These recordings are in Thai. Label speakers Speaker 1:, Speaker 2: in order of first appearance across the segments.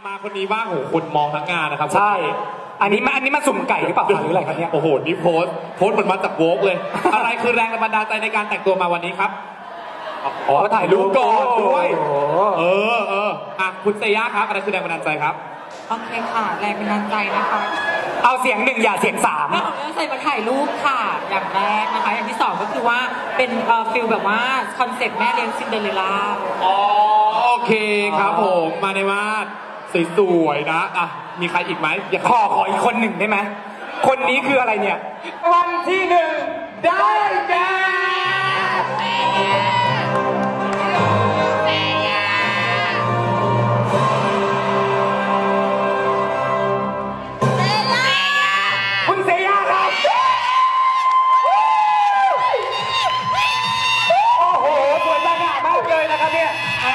Speaker 1: มาคนนี้บ้างโอ้โหคนมองทั้งงานนะครับ
Speaker 2: ใช่อันนี้มาสุ่มไก่หรือเปล่าหรืออะไรครับเนี่ย
Speaker 1: โอ้โหนี่โพสต์เหมือนมาจากโวกเลย อะไรคือแรงบันดาลใจในการแต่งตัวมาวันนี้ครับ
Speaker 2: อ๋อถ่ายรูปก่อนด้วย
Speaker 1: อ่ะคุณเซย่าครับอะไรคือแรงบันดาลใจครับ
Speaker 3: โอเคค่ะแรงบันดาลใจนะคะ
Speaker 2: เอาเสียงหนึ่งอย่าเสียงสาม
Speaker 3: ใส่มาถ่ายรูปค่ะอย่างแรกนะคะอย่างที่สองก็คือว่าเป็นฟิลแบบว่าคอนเซ็ปต์แม่เลี้ยงซินเดอเรลล่า
Speaker 1: อ๋อโอเคครับผมมาในมาดสวยๆนะอ่ะมีใครอีกไหมอย่า
Speaker 2: ขออีกคนหนึ่งได้ไหมคนนี้คืออะไรเนี่ยวันที่หนึ่งได้แก่คุณเซย่าครับโอ้โหสวยจังมากเลยนะครับเนี่ย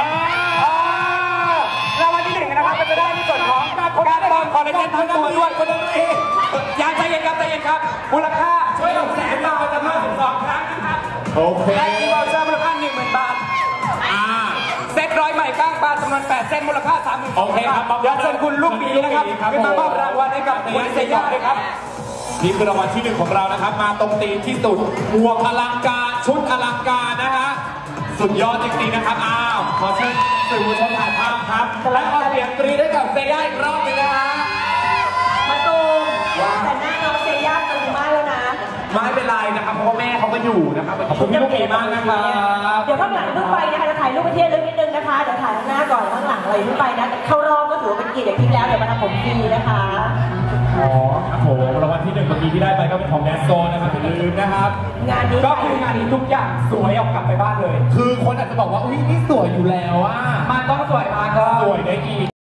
Speaker 2: รางวัลที่หนึ่งนะครับจะได้ในส่วนของการเติมคอลลาเจนทั้งตัวด้วยคนนึงอย่าใจเย็นครับมูลค่าช่วย600,000 บาทจำนวน12 ครั้งนะครับ
Speaker 1: โอเค
Speaker 2: และที่เราเชิญมูลค่า 10,000 บาทเซ็ตร้อยใหม่ก้างปลาจำนวน8 เส้นมูลค่า 30,000
Speaker 1: โอเคครับ
Speaker 2: เดี๋ยวเชิญคุณลูกปีนะครับขึ้นมามอบรางวัลให้กับคุณเซย่าด้วยครับ
Speaker 1: นี่คือรางวัลที่1ของเรานะครับมาตรงตีมที่สุดหมวกอลังการชุดอลังการนะฮะสุดยอดจริงๆนะครับขอเชิญสื่อมวลชนถ่ายภาพครับและขอเสียงกรี๊ดให้กับเซย่าอีกรอบนึงนะฮะ
Speaker 4: มาตูมแต่หน้าน้องเซย่าตึงมากแล้วนะ
Speaker 1: ไม่เป็นไรนะครับเพราะว่าแม่เขาก็อยู่นะครับขอบคุณพี่ลูกเกมากนะครับ
Speaker 4: เดี๋ยวข้างหลังขึ้นไปนะคะจะถ่ายรูปประเทศลึกนิดนึงนะคะเดี๋ยวถ่ายข้างหน้าก่อนข้างหลังอะไรขึ้นไปนะเข้ารอบก็ถือว่าเป็นเกียรติอย่างยิ่งแล้วเดี๋ยวมาทำผมฟรีนะคะ
Speaker 1: ครับผมรางวัลที่1เมื่อกี้ที่ได้ไปก็เป็นของแนสโซนะครับอย่าลืมนะครับ
Speaker 4: งานนี้
Speaker 2: ก็คืองานนี้ทุกอย่างสวยเอากลับไปบ้านเลย
Speaker 1: คือคนอาจจะบอกว่าอุ้ยนี่สวยอยู่แล้วอ่ะ
Speaker 2: มันต้องสวยมากก็
Speaker 1: สวยได้อีก